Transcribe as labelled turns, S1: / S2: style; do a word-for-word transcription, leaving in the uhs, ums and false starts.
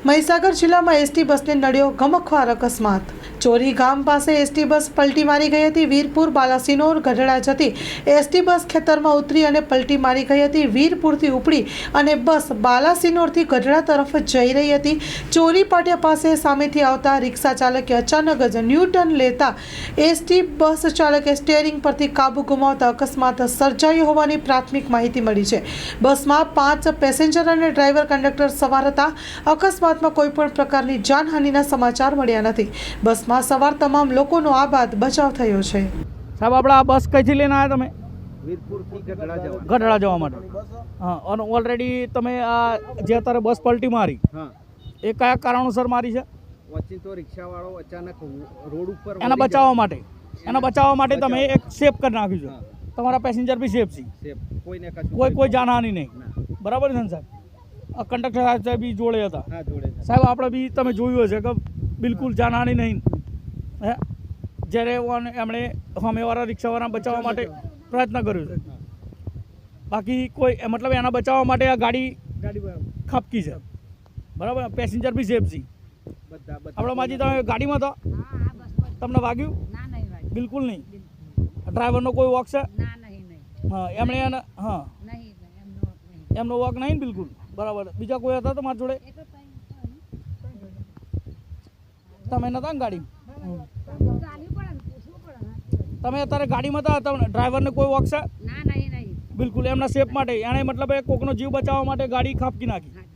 S1: મહીસાગર જિલ્લામાં એસટી બસને નડ્યો ગમખ્વાર અકસ્માત। ચોરી ગામ પાસે એસટી બસ પલટી મારી ગઈ હતી। વીરપુર બાલાસિનોર ગઢડા જતી એસટી બસ ખેતરમાં ઉતરી અને પલટી મારી ગઈ હતી। વીરપુરથી ઉપડી અને બસ બાલાસિનોરથી ગઢડા તરફ જઈ રહી હતી। ચોરી પાટિયા પાસે સામેથી આવતા રિક્ષા ચાલકે અચાનક જ ન્યૂ ટર્ન લેતા એસટી બસ ચાલકે સ્ટીયરિંગ પરથી કાબુ ગુમાવતા અકસ્માત સર્જાયો હોવાની પ્રાથમિક માહિતી મળી છે। બસમાં પાંચ પેસેન્જર અને ડ્રાઈવર કંડક્ટર સવાર હતા। અકસ્માતમાં કોઈ પણ પ્રકારની જાનહાનિના સમાચાર મળ્યા નથી। બસમાં સવાર તમામ લોકોનો આ બાદ બચાવ થયો છે।
S2: સાહેબ આપણે આ બસ કઈથી લઈને આવ્યા તમે?
S3: વીરપુરથી ગઢડા જવા
S2: ગઢડા જવા માટે। હા, અને ઓલરેડી તમે આ જે અત્યારે બસ પલટી મારી
S3: હા
S2: એ કયા કારણોસર મારી છે?
S3: વચ્ચે તો રિક્ષાવાળો અચાનક રોડ ઉપર
S2: એના બચાવવા માટે એના બચાવવા માટે તમે એક સેફ કરી નાખ્યું છે। તમારા પેસેન્જર બી સેફ છે,
S3: સેફ કોઈને કશું
S2: કોઈ કોઈ જાનહાનિ નહીં, બરાબર છે ને સાહેબ? આ કંડક્ટર સાહેબ બી જોડે હતા
S3: હા જોડે છે
S2: સાહેબ। આપણે બી તમે જોયું હશે કે બિલકુલ જાનહાનિ નહીં હે, જ્યારે એમણે સામેવાળા રિક્ષાવાળા બચાવવા માટે પ્રયત્ન કર્યો છે। બાકી કોઈ મતલબ એના બચાવવા માટે આ ગાડી
S3: ગાડી
S2: ખપકી છે, બરાબર? પેસેન્જર બી સેફ છે
S3: બધા બધા
S2: આપણે માજી। તમે ગાડીમાં હતા, તમને વાગ્યું? બિલકુલ નહીં। ડ્રાઈવરનો કોઈ વોક છે? હા, એમણે એને હા એમનો વોક નહીં ને બિલકુલ, બરાબર। બીજા કોઈ હતા તમારી જોડે? તમે નતા ને ગાડી? તમે અત્યારે ગાડીમાં હતા, તમને ડ્રાઈવરને કોઈ વોક છે? બિલકુલ એમના સેફ માટે એણે મતલબ એ કોકનો જીવ બચાવવા માટે ગાડી ખાપકી નાખી।